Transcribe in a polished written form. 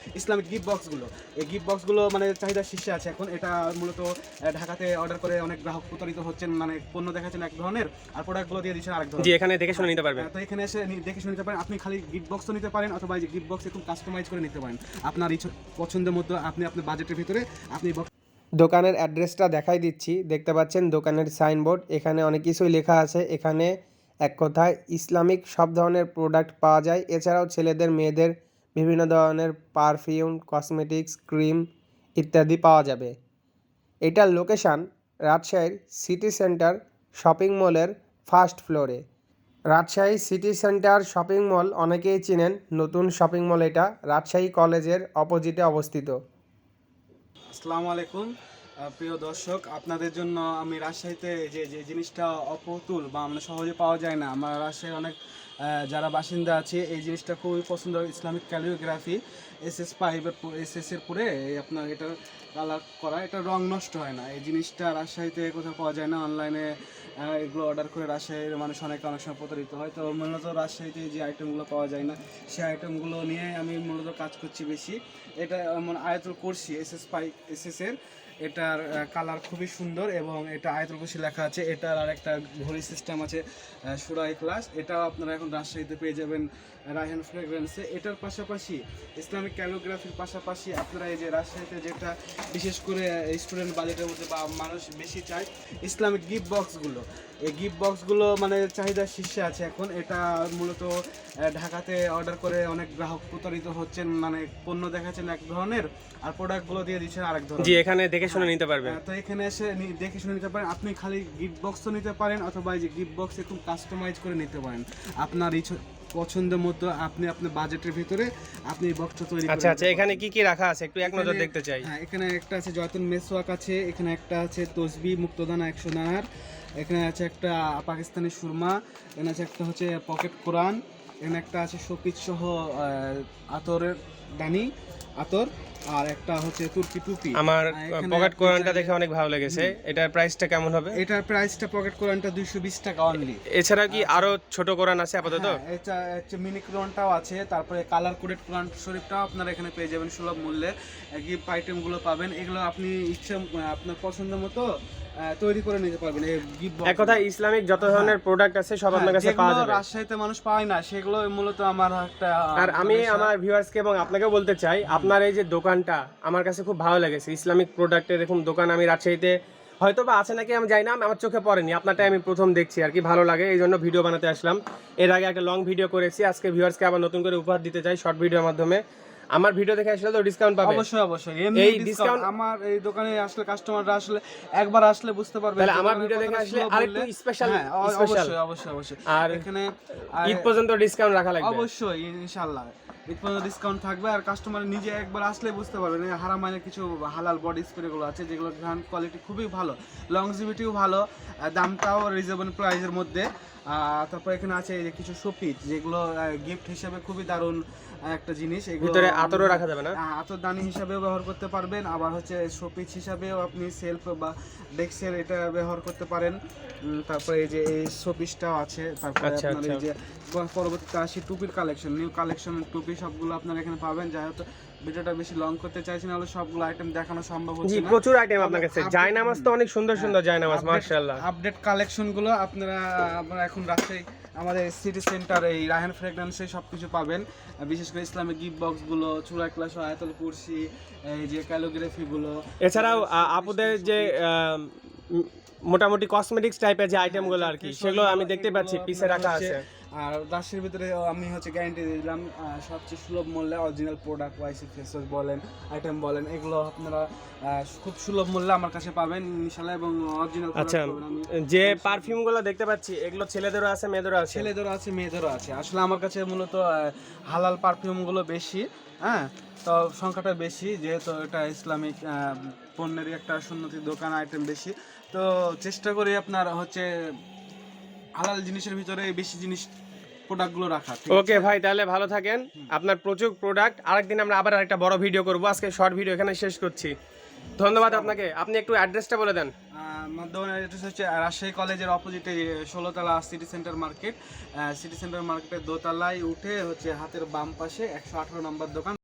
Islamic gift বক্সগুলো, এই gift বক্সগুলো মানে চাহিদা শীর্ষে আছে এখন। এটা মূলত ঢাকাতে অর্ডার করে অনেক গ্রাহক প্রতারিত হচ্ছেন, মানে পণ্য দেখাচ্ছেন এক ধরনের আর প্রোডাক্টগুলো দিয়ে দিচ্ছেন আরেক ধরনের। জি, এখানে দেখে শুনে নিতে পারবেন। তো এখানে এসে দেখে শুনে নিতে পারেন। আপনি খালি গিফট বক্সও নিতে পারেন, অথবা এই যে গিফট বক্স একটু কাস্টমাইজ করে নিতে পারেন আপনার পছন্দের মতো। আপনি আপনার বাজেটের ভিতরে আপনি দোকানের অ্যাড্রেসটা দেখাই দিচ্ছি, দেখতে পাচ্ছেন দোকানের সাইনবোর্ড, এখানে অনেক কিছুই লেখা আছে। এখানে এক কথায় ইসলামিক সব ধরনের প্রোডাক্ট পাওয়া যায়। এছাড়াও ছেলেদের মেয়েদের বিভিন্ন ধরনের পারফিউম, কসমেটিক্স, ক্রিম ইত্যাদি পাওয়া যাবে। এটার লোকেশান রাজশাহীর সিটি সেন্টার শপিং মলের ফার্স্ট ফ্লোরে। Rajshahi city center shopping mall অনেকেই চিনেন, নতুন শপিং মল এটা, রাজশাহী কলেজের অপোজিটে অবস্থিত। আসসালামু আলাইকুম প্রিয় দর্শক, আপনাদের জন্য আমি রাজশাহীতে যে যে জিনিসটা অপ্রতুল বা আমরা সহজে পাওয়া যায় না, আমরা রাজশাহীর অনেক যারা বাসিন্দা আছে এই জিনিসটা খুবই পছন্দ। ইসলামিক ক্যালিগ্রাফি SS5 SS-এর পরে আপনার এটা কালার করা, এটা রং নষ্ট হয় না। এই জিনিসটা রাজশাহীতে কোথাও পাওয়া যায় না। অনলাইনে এগুলো অর্ডার করে রাজশাহীর মানুষ অনেক সময় প্রতারিত হয়। তো মূলত রাজশাহীতে যে আইটেমগুলো পাওয়া যায় না, সেই আইটেমগুলো নিয়ে আমি মূলত কাজ করছি বেশি। এটা মানে আয়াতুল কুরসি SS-এর, এটার কালার খুবই সুন্দর এবং এটা আয়াতুল কুরসি লেখা আছে। এটার আর একটা ঘড়ি সিস্টেম আছে সূরা ইখলাস, এটাও আপনারা এখন রাজশাহীতে পেয়ে যাবেন রায়হান ফ্রেগরেন্সে। এটার পাশাপাশি ইসলামিক ক্যালিগ্রাফির পাশাপাশি আপনারা এই যে রাজশাহীতে যেটা বিশেষ করে স্টুডেন্ট বাজেটের মধ্যে বা মানুষ বেশি চায়, ইসলামিক গিফট বক্সগুলো, এই গিফট বক্সগুলো মানে চাহিদা শীর্ষে আছে এখন। এটা মূলত ঢাকাতে অর্ডার করে অনেক গ্রাহক প্রতারিত হচ্ছেন, মানে পণ্য দেখাচ্ছেন এক ধরনের আর প্রোডাক্টগুলো দিয়ে দিচ্ছেন আরেক ধরনের। জি, এখানে দেখে শুনে নিতে পারবেন। তো এখানে এসে দেখে শুনে নিতে পারেন। আপনি খালি গিফট বক্সও নিতে পারেন, অথবা এই যে গিফট বক্স একটু কাস্টমাইজ করে নিতে পারেন আপনার পছন্দের মতো। আপনি আপনার বাজেটের ভিতরে আপনি বক্সটা তৈরি করেন। আচ্ছা আচ্ছা, এখানে কি কি রাখা আছে একটু এক নজর দেখতে চাই। হ্যাঁ, এখানে একটা আছে জয়তুন মেসওয়াক আছে, এখানে একটা আছে তসবি মুক্তদানা 100 দানার, এখানে আছে একটা পাকিস্তানি সুরমা, এখানে আছে একটা হচ্ছে পকেট কোরআন, এখানে একটা আছে শোপিস সহ আতরের দানি আতর, আর একটা হচ্ছে তুর্কি টুপি। আমার পকেট কোরআনটা দেখে অনেক ভালো লেগেছে। এটার প্রাইসটা কেমন হবে? এটার প্রাইসটা পকেট কোরআনটা 220 টাকা অনলি। এছাড়া কি আরো ছোট কোরআন আছে আপাতত? এটা হচ্ছে মিনি কোরআনটাও আছে, তারপরে কালার কোডেড কোরআন শরীফটাও আপনারা এখানে পেয়ে যাবেন সুলভ মূল্যে। গিফট আইটেমগুলো পাবেন, এগুলো আপনি ইচ্ছে আপনার পছন্দ মতো তৈরি করে নিতে পারবেন। এই গিফট এক কথা ইসলামিক যত ধরনের প্রোডাক্ট আছে সব আপনার কাছে পাওয়া যাবে। রাজশাহীতে মানুষ পায় না, সেগুলো মূলত আমার একটা। আর আমি আমার ভিউয়ার্সকে এবং আপনাকেও বলতে চাই, আপনার এই যে দোকানটা আমার কাছে খুব ভালো লেগেছে। ইসলামিক প্রোডাক্টের এরকম দোকান আমি রাজশাহীতে হয়তো বা আছে নাকি আমি জানি না, আমার চোখে পড়েনি। আপনারটাই আমি প্রথম দেখছি আর কি, ভালো লাগে, এই জন্য ভিডিও বানাতে আসলাম। এর আগে একটা লং ভিডিও করেছি, আজকে ভিউয়ার্সকে আবার নতুন করে উপহার দিতে চাই শর্ট ভিডিওর মাধ্যমে। আমার ভিডিও দেখে আসলে তো ডিসকাউন্ট পাবে? অবশ্যই অবশ্যই, এই ডিসকাউন্ট আমার এই দোকানে আসলে কাস্টমাররা আসলে একবার আসলে বুঝতে পারবে। তাহলে আমার ভিডিও দেখে আসলে আরেকটু স্পেশাল। অবশ্যই অবশ্যই অবশ্যই। আর এখানে ঈদ পর্যন্ত ডিসকাউন্ট রাখা লাগবে অবশ্যই, ইনশাআল্লাহ ঈদ পর্যন্ত ডিসকাউন্ট থাকবে। আর কাস্টমার নিজে একবার আসলে বুঝতে পারবেন। হারামাইনের কিছু হালাল বডি স্প্রেগুলো আছে, যেগুলো গ্রান্ড কোয়ালিটি খুবই ভালো, লংজিভিটিও ভালো, দামটাও রিজনেবল প্রাইসের মধ্যে। তারপর এখানে আছে এই যে কিছু শোপিস, যেগুলো গিফট হিসেবে খুবই দারুণ একটা জিনিস। ভিতরে আতরও রাখা যাবে না? আতরদানি হিসাবেও ব্যবহার করতে পারবেন, আবার হচ্ছে শোপিস হিসাবেও আপনি সেলফ বা ডেস্কের এটা ব্যবহার করতে পারেন। তারপরে এই যে এই শোপিসটাও আছে। তারপরে আপনার এই যে পরবর্তীতে আসি টুপির কালেকশন, নিউ কালেকশন টুপি, সবগুলো আপনারা এখানে পাবেন। যাই হোক, ভিডিওটা বেশি লং করতে চাইছি না, হলে সবগুলো আইটেম দেখানো সম্ভব হচ্ছে না। প্রচুর আইটেম আপনার কাছে। জায়নামাজ তো অনেক সুন্দর সুন্দর জায়নামাজ, মাশাআল্লাহ। আপডেট কালেকশনগুলো আপনারা এখন রাজশাহী আমাদের সিটি সেন্টার এই রায়হান ফ্রেগরেন্সে সবকিছু পাবেন। বিশেষ করে ইসলামিক গিফট বক্সগুলো, সূরা ইখলাস, আয়াতুল কুরসি, এই যে ক্যালিগ্রাফিগুলো। এছাড়াও আপুদের যে মোটামুটি কসমেটিক্স টাইপের যে আইটেমগুলো আর কি, সেগুলো আমি দেখতে পাচ্ছি পিছে রাখা আছে। আর রাজশাহীর ভিতরে আমি হচ্ছে গ্যারান্টি দিলাম সবচেয়ে সুলভ মূল্যে original product, YC face wash বলেন, আইটেম বলেন, এগুলো আপনারা খুব সুলভ মূল্যে আমার কাছে পাবেন ইনশাআল্লাহ, এবং অরিজিনাল আচ্ছা, যে পারফিউমগুলো দেখতে পাচ্ছি এগুলো ছেলেদেরও আছে মেয়েদেরও আছে? ছেলেদেরও আছে মেয়েদেরও আছে। আসলে আমার কাছে মূলত হালাল পারফিউমগুলো বেশি, হ্যাঁ, তো সংখ্যাটা বেশি, যেহেতু এটা ইসলামিক পণ্যেরই একটা সুন্নতির দোকান, আইটেম বেশি। তো চেষ্টা করি আপনার হচ্ছে হালাল জিনিসের ভিতরে বেশি জিনিস প্রোডাক্টগুলো রাখা। ওকে ভাই, তাহলে ভালো থাকেন। আপনার প্রচুর প্রোডাক্ট, আরেকদিন আমরা আবার একটা বড় ভিডিও করব। আজকে শর্ট ভিডিও এখানে শেষ করছি। ধন্যবাদ আপনাকে। আপনি একটু অ্যাড্রেসটা বলে দেন। মাধ্যমের অ্যাড্রেস হচ্ছে রাজশাহী কলেজের অপোজিটে 16তলা city center market. City center মার্কেটের দোতলায় উঠে হচ্ছে হাতের বাম পাশে 118 নম্বর দোকান।